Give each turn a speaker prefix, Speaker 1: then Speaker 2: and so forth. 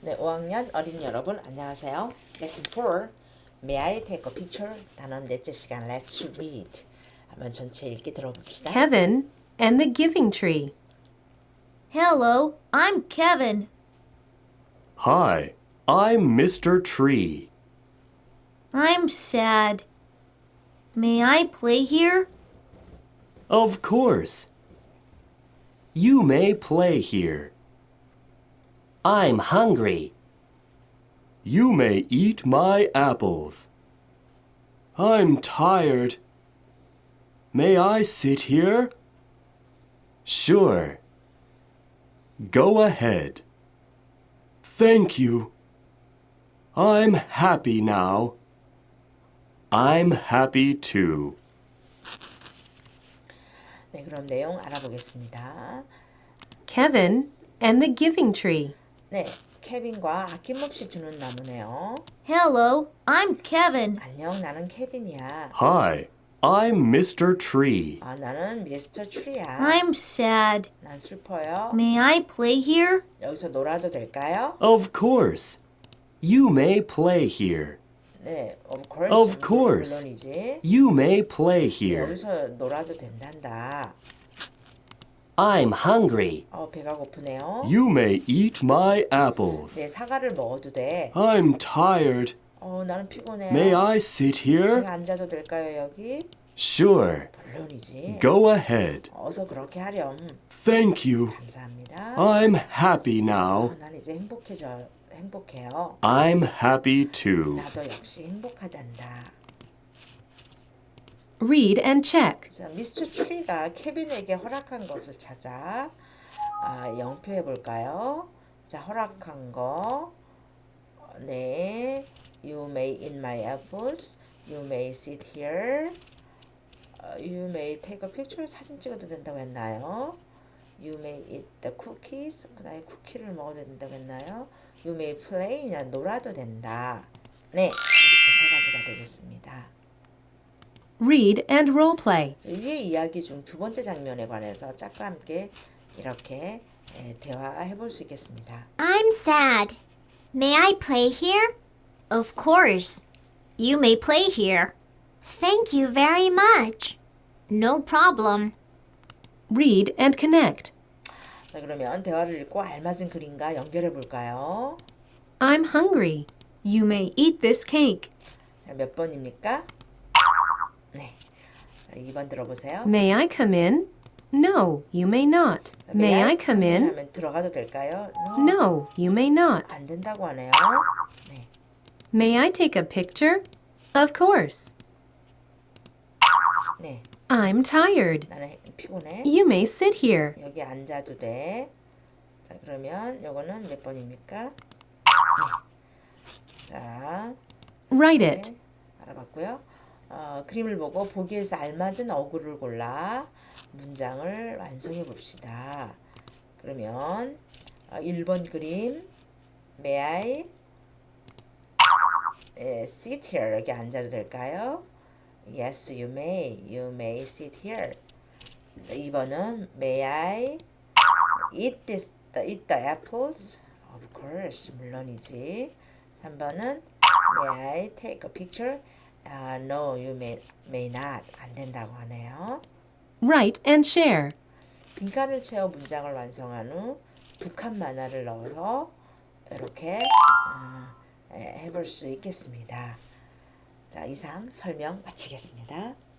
Speaker 1: 네, 5학년 어린이 여러분 안녕하세요. Lesson 4. May I take a picture? 단원 넷째 시간 Let's read. 한번 전체 읽기 들어봅시다.
Speaker 2: Kevin and the Giving Tree.
Speaker 3: Hello, I'm Kevin.
Speaker 4: Hi, I'm Mr. Tree.
Speaker 3: I'm sad. May I play here?
Speaker 4: Of course. You may play here. I'm hungry. You may eat my apples. I'm tired. May I sit here? Sure. Go ahead. Thank you. I'm happy now. I'm happy too.
Speaker 1: 네, 그럼 내용 알아보겠습니다.
Speaker 2: Kevin and the Giving Tree.
Speaker 1: 네, 케빈과 아낌없이 주는 나무네요.
Speaker 3: Hello, I'm Kevin.
Speaker 1: 안녕, 나는 케빈이야.
Speaker 4: Hi, I'm Mr. Tree.
Speaker 1: 나는 미스터 트리야.
Speaker 3: I'm sad.
Speaker 1: 난 슬퍼요.
Speaker 3: May I play here?
Speaker 1: 여기서 놀아도 될까요?
Speaker 4: Of course. You may play here.
Speaker 1: 네, of course.
Speaker 4: Of course.
Speaker 1: 물론이지.
Speaker 4: You may play here.
Speaker 1: 여기서 놀아도 된단다.
Speaker 4: I'm hungry.
Speaker 1: 배가 고프네요.
Speaker 4: You may eat my apples.
Speaker 1: 네, 사과를 먹어도 돼.
Speaker 4: I'm tired.
Speaker 1: 나는 피곤해요.
Speaker 4: May I sit
Speaker 1: 제가
Speaker 4: here?
Speaker 1: 앉아도 될까요, 여기?
Speaker 4: Sure.
Speaker 1: 물론이지.
Speaker 4: Go ahead.
Speaker 1: 어서 그렇게 하렴.
Speaker 4: Thank you.
Speaker 1: 감사합니다.
Speaker 4: I'm happy now.
Speaker 1: 난 이제 행복해요.
Speaker 4: I'm happy too.
Speaker 1: 나도 역시 행복하단다.
Speaker 2: Read and check.
Speaker 1: 자, 미스터 트리가 케빈에게 허락한 것을 찾아 영표해 볼까요? 자, 허락한 거. 네. You may eat my apples. You may sit here. You may take a picture. 사진 찍어도 된다고 했나요? You may eat the cookies. 그다음에 쿠키를 먹어도 된다고 했나요? You may play. 그냥 놀아도 된다. 네. 이렇게 세 가지가 되겠습니다.
Speaker 2: Read and role play.
Speaker 1: 위의 이야기 중 두 번째 장면에 관해서 짝과 함께 이렇게 대화해 볼 수 있겠습니다.
Speaker 5: I'm sad. May I play here? Of course. You may play here. Thank you very much. No problem.
Speaker 2: Read and connect.
Speaker 1: 자, 그러면 대화를 읽고 알맞은 그림과 연결해 볼까요?
Speaker 2: I'm hungry. You may eat this cake.
Speaker 1: 몇 번입니까? 네. 2번 들어보세요.
Speaker 2: May I come in? No, you may not. May I come in?
Speaker 1: 하면 들어가도 될까요?
Speaker 2: No, you may not.
Speaker 1: 안 된다고 하네요. 네.
Speaker 2: May I take a picture? Of course.
Speaker 1: 네.
Speaker 2: I'm tired.
Speaker 1: 나는 피곤해.
Speaker 2: You may sit here.
Speaker 1: 여기 앉아도 돼. 자, 그러면 요거는 몇 번입니까? 네. 자,
Speaker 2: Write it.
Speaker 1: 네, 알아봤고요. 그림을 보고 보기에서 알맞은 어구를 골라 문장을 완성해 봅시다. 그러면 1번 그림 May I sit here 여기 앉아도 될까요? Yes, you may. You may sit here. 자, 2번은 May I eat the apples? Of course, 물론이지. 3번은 May I take a picture? No, you may not. 안 된다고 하네요.
Speaker 2: Write and share.
Speaker 1: 빈칸을 채워 문장을 완성한 후 두 칸 만화를 넣어서 이렇게 해볼 수 있겠습니다. 자, 이상 설명 마치겠습니다.